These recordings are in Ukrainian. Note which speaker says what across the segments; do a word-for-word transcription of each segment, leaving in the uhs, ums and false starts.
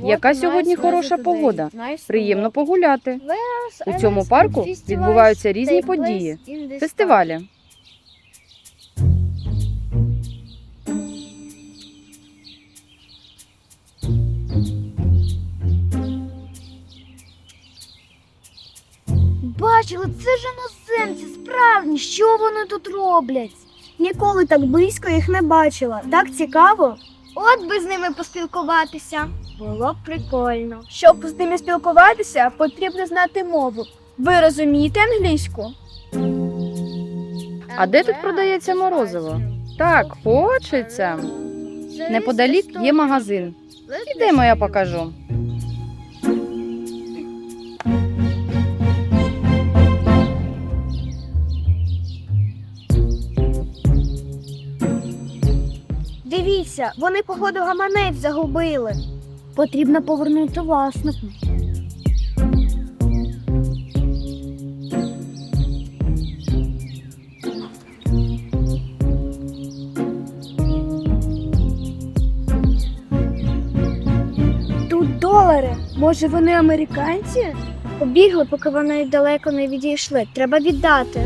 Speaker 1: Яка сьогодні хороша погода. Приємно погуляти. У цьому парку відбуваються різні події, фестивалі.
Speaker 2: Бачили, це ж іноземці, справжні, що вони тут роблять? Ніколи так близько їх не бачила. Так цікаво. От би з ними поспілкуватися. Було б прикольно. Щоб з ними спілкуватися, потрібно знати мову. Ви розумієте англійську?
Speaker 1: А де тут продається морозиво? Так, хочеться. Неподалік є магазин. Ідемо, я покажу.
Speaker 2: Дивіться, вони, походу, гаманець загубили. Потрібно повернути власнику. Тут долари. Може, вони американці? Побігли, поки вони далеко не відійшли. Треба віддати.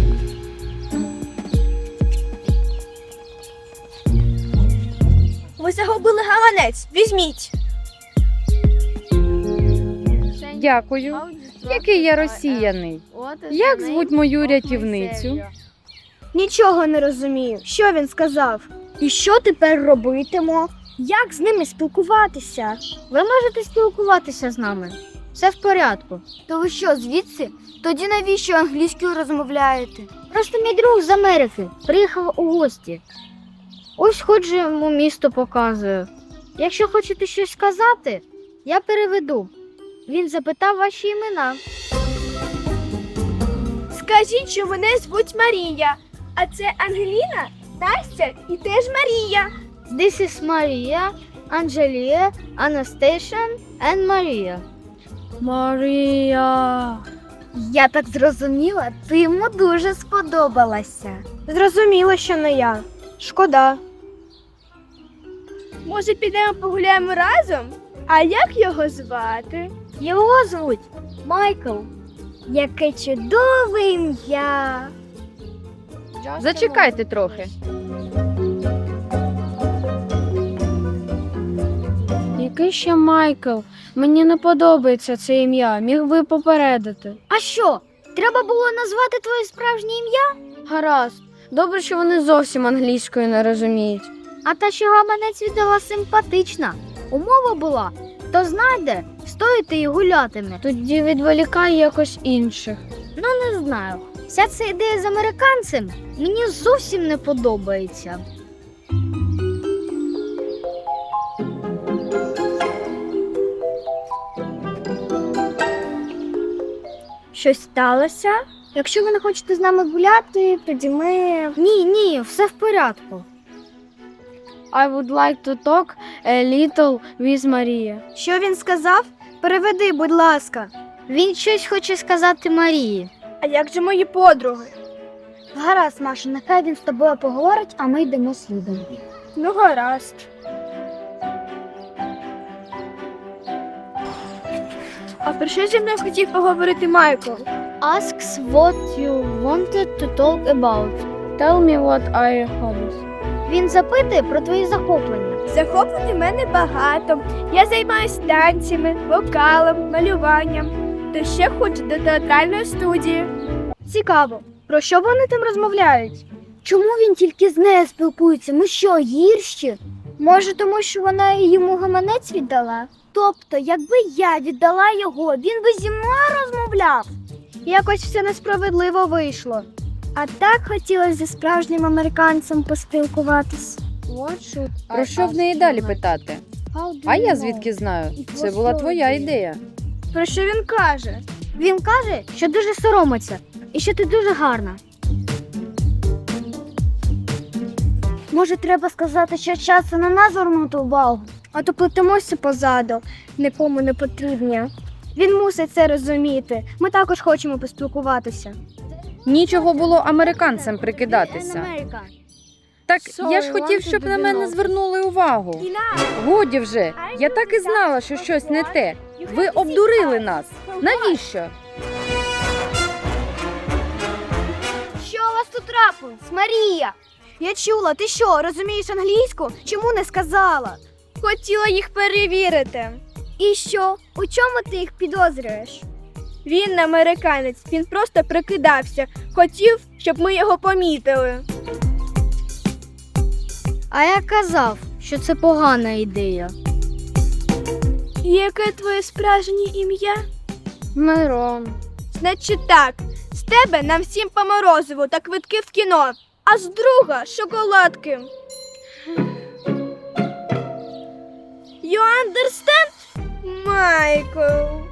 Speaker 2: Ви загубили гаманець. Візьміть.
Speaker 1: Дякую. Який я розсіяний. Як звуть мою рятівницю?
Speaker 2: Нічого не розумію. Що він сказав? І що тепер робитимо? Як з ними спілкуватися?
Speaker 3: Ви можете спілкуватися з нами. Все в порядку.
Speaker 2: То ви що, звідси? Тоді навіщо англійською розмовляєте?
Speaker 3: Просто мій друг з Америки приїхав у гості. Ось ходжу йому місто показую. Якщо хочете щось сказати, я переведу. Він запитав ваші імена.
Speaker 2: Скажіть, що мене звуть Марія. А це Ангеліна, Настя і теж Марія.
Speaker 3: This is Maria, Angelia, Anastasia and Maria.
Speaker 2: Марія. Я так зрозуміла, ти йому дуже сподобалася. Зрозуміло, що не я. Шкода. Може, підемо погуляємо разом? А як його звати?
Speaker 3: Його звуть Майкл.
Speaker 2: Яке чудове ім'я.
Speaker 1: Зачекайте трохи.
Speaker 3: Який ще Майкл? Мені не подобається це ім'я. Міг би попередити. А що? Треба було назвати твоє справжнє ім'я? Гаразд. Добре, що вони зовсім англійською не розуміють. А та, що гаманець віддала, симпатична. Умова була, хто знайде, стоїти і гулятиме. Тоді відволікай якось інших. Ну, не знаю. Вся ця ідея з американцем мені зовсім не подобається.
Speaker 2: Щось сталося? Якщо ви не хочете з нами гуляти, тоді ми...
Speaker 3: Ні, ні, все в порядку. I would like to talk a little with Maria.
Speaker 2: Що він сказав? Переведи, будь ласка.
Speaker 3: Він щось хоче сказати Марії.
Speaker 2: А як же мої подруги? Гаразд, Маша, нехай він з тобою поговорить, а ми йдемо слідом. Ну, гаразд. А про що зі мною хотів поговорити Майкл?
Speaker 3: Asks what you wanted to talk about. Tell me what are your hobbies. Він запитує про твої захоплення.
Speaker 2: Захоплень у мене багато. Я займаюся танцями, вокалом, малюванням. Та ще ходжу до театральної студії. Цікаво, про що вони там розмовляють?
Speaker 3: Чому він тільки з нею спілкується? Ми що, гірші?
Speaker 2: Може, тому що вона йому гаманець віддала? Тобто, якби я віддала його, він би зі мною розмовляв? Якось все несправедливо вийшло. А так хотілося зі справжнім американцем поспілкуватись.
Speaker 1: Про що в неї далі питати? А я звідки знаю? Це була твоя ідея.
Speaker 2: Про що він каже?
Speaker 3: Він каже, що дуже соромиться і що ти дуже гарна.
Speaker 2: Може, треба сказати, що час на нас звернути увагу, а то плетемося позаду, нікому не потрібні. Він мусить це розуміти. Ми також хочемо поспілкуватися.
Speaker 1: Нічого було американцям прикидатися. Так
Speaker 3: Sorry,
Speaker 1: я ж хотів,
Speaker 3: wanted
Speaker 1: щоб
Speaker 3: to
Speaker 1: на
Speaker 3: be
Speaker 1: мене
Speaker 3: noticed.
Speaker 1: звернули увагу. Годі вже, я так і знала, що щось не те. Ви обдурили нас. Навіщо?
Speaker 2: Що у вас тут трапилось, Марія? Я чула, ти що, розумієш англійську? Чому не сказала? Хотіла їх перевірити. І що? У чому ти їх підозрюєш? Він не американець, він просто прикидався. Хотів, щоб ми його помітили.
Speaker 3: А я казав, що це погана ідея.
Speaker 2: Яке твоє справжнє ім'я?
Speaker 3: Мирон.
Speaker 2: Значить так, з тебе нам всім по морозиву та квитки в кіно, а з друга шоколадки. You understand, Майкл?